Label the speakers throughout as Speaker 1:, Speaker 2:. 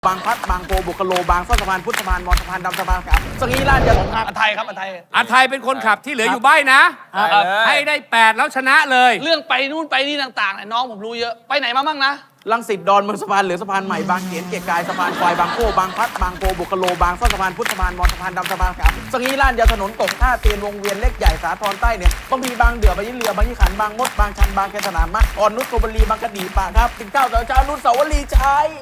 Speaker 1: บางพลัดบางโพบุคโลบางซ่อนสะพานพุทธสะพานมอญสะพานดำสะพานขาวสงีราชยาสงครับ
Speaker 2: อันไทยครับอันไทย
Speaker 3: อันไทยเป็นคนขับที่เหลืออยู่ใบ้นะ ให้ได้ 8 แล้วชนะเลย
Speaker 2: เรื่องไปนู่นไปนี่ต่างๆเนี่ยน้องผมรู้เยอะไปไหนมาบ้างนะ
Speaker 1: ลังสิตดอนเมืองสะพานเหลือสะพานใหม่บางเขนเกียรติกายสะพานควายบางโพบางพลัดบางโพบุคโลบางซ่อนสะพานพุทธสะพานมอญสะพานดำสะพานขาวสงีราชยาถนนตกท่าเตียนวงเวียนเล็กใหญ่สาทรใต้เนี่ยบางพีบางเดือบางยี่เรือบางยี่ขันบางมดบางชันบางแคสนามมะอ่อนนุชโกบลีบางกระดีปากครับปิ่นเกล้าเจ้านุชเสาวรีชัย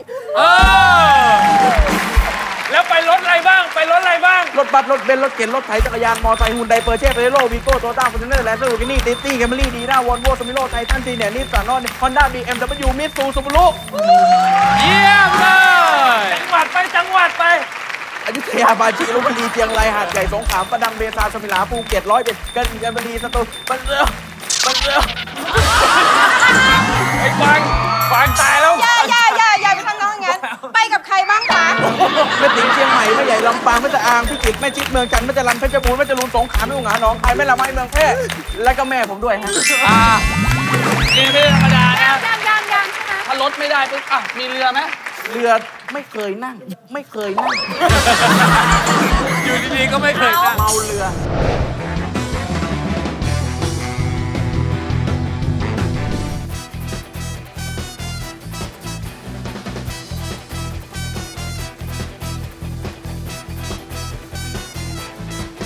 Speaker 3: แล้วไปรถอะไรบ้างไปรถอะไรบ้าง
Speaker 1: รถบัสรถเบนซ์รถเก๋งรถไถจักรยานมอไซค์ฮุนไดเปอร์เช่เฟโร่วีโก้โตต้าฟอร์จูเนอร์แลนด์ลูกินี่ติตี้แคมรี่ดีน่าวอลโว่สมิโร่ไททันซีเนียนิสสันนอนฮอนด้าบีเอ็มดับเบิลยูมิตซูซูบูรุ
Speaker 3: เยี่ยมเลย
Speaker 2: จังหวัดไป
Speaker 1: อยุธยาปาจีลพบุรีเชียงรายหาดใหญ่สงขลาประดังเบซาสมิลาภูเก็ต101กันบุรีสตูลบันเรือ
Speaker 3: ไอ้ฟังตายแล้ว
Speaker 4: อย่าไปทำน้องอย่างนั้น ไปกับใครบ้างคะ
Speaker 1: แม่ติ๋งเชียงใหม่แม่ใหญ่ลำปางแม่ตะอางพิจิตรแม่ชิดเมืองจันทร์แม่จรัญเพชรบูรณ์แม่จรูนสงขลาแม่อุ๋งหาหนองคายแม่ละไม้เมืองแพร่และก็แม่ผมด้วยฮะ
Speaker 2: นี่ไม่ธรรมดานะ
Speaker 4: ยังใช่ไหม
Speaker 2: ถ้ารถไม่ได้ปุ๊บมีเรือไหม
Speaker 1: เรือไม่เคยนั่ง
Speaker 3: อยู่ดีๆก็ไม่เคยนั่ง
Speaker 1: เมาเรือ